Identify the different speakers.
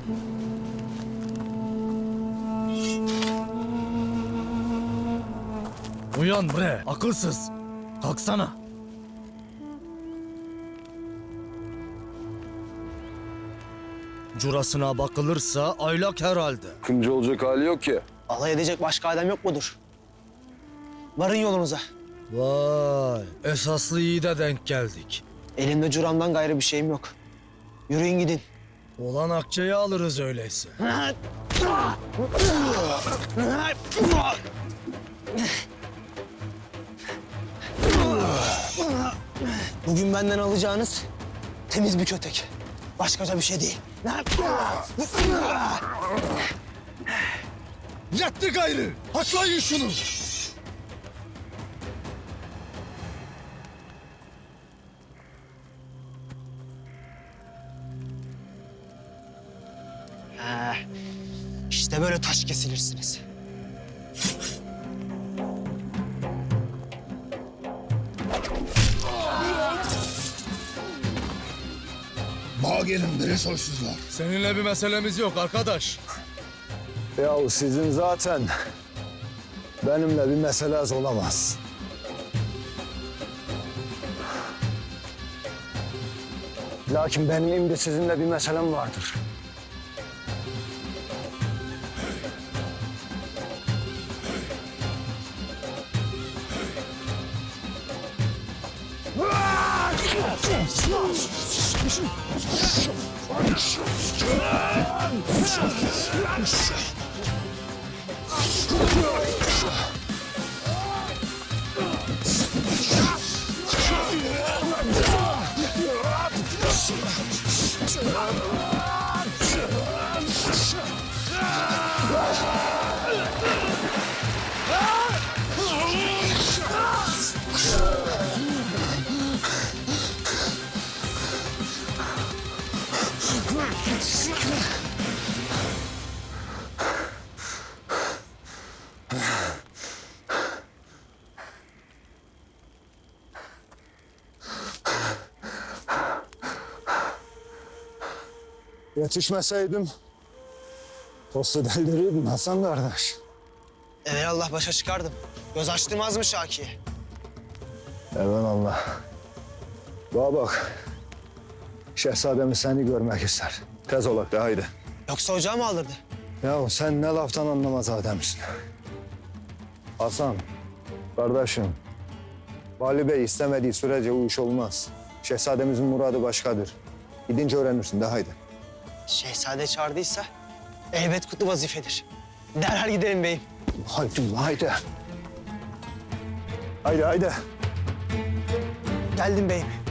Speaker 1: Uyan bre, akılsız. Kalksana. Curasına bakılırsa aylak herhalde.
Speaker 2: Kımcı olacak hali yok ki.
Speaker 3: Alay edecek başka adam yok mudur? Varın yolunuza.
Speaker 1: Vay, esaslı iyi de denk geldik.
Speaker 3: Elimde curamdan gayrı bir şeyim yok. Yürüyün gidin.
Speaker 1: Olan akçeyi alırız öyleyse.
Speaker 3: Bugün benden alacağınız temiz bir kötek. Başkaca bir şey değil.
Speaker 1: Yetti gayrı, haklayın şunu.
Speaker 3: İşte böyle taş kesilirsiniz.
Speaker 4: Bağ gelin biri soysuzlar.
Speaker 1: Seninle bir meselemiz yok arkadaş.
Speaker 2: Yahu sizin zaten benimle bir meseleniz olamaz. Lakin benim de sizinle bir meselem vardır. Yetişmeseydim tostu deldirirdim Hasan kardeş.
Speaker 3: Evelallah başa çıkardım. Göz açtırmaz mı Şaki'ye?
Speaker 2: Evelallah. Bana bak. Şehzademiz seni görmek ister. Tez olak da haydi.
Speaker 3: Yoksa ocağı mı aldırdı?
Speaker 2: Yahu sen ne laftan anlamaz adamsın. Hasan, kardeşim. Vali Bey istemediği sürece o iş olmaz. Şehzademizin muradı başkadır. Gidince öğrenirsin de haydi.
Speaker 3: Şehzade çağırdıysa elbet kutlu vazifedir. Derhal gidelim beyim.
Speaker 2: Haydi, haydi. Haydi, haydi.
Speaker 3: Geldim beyim.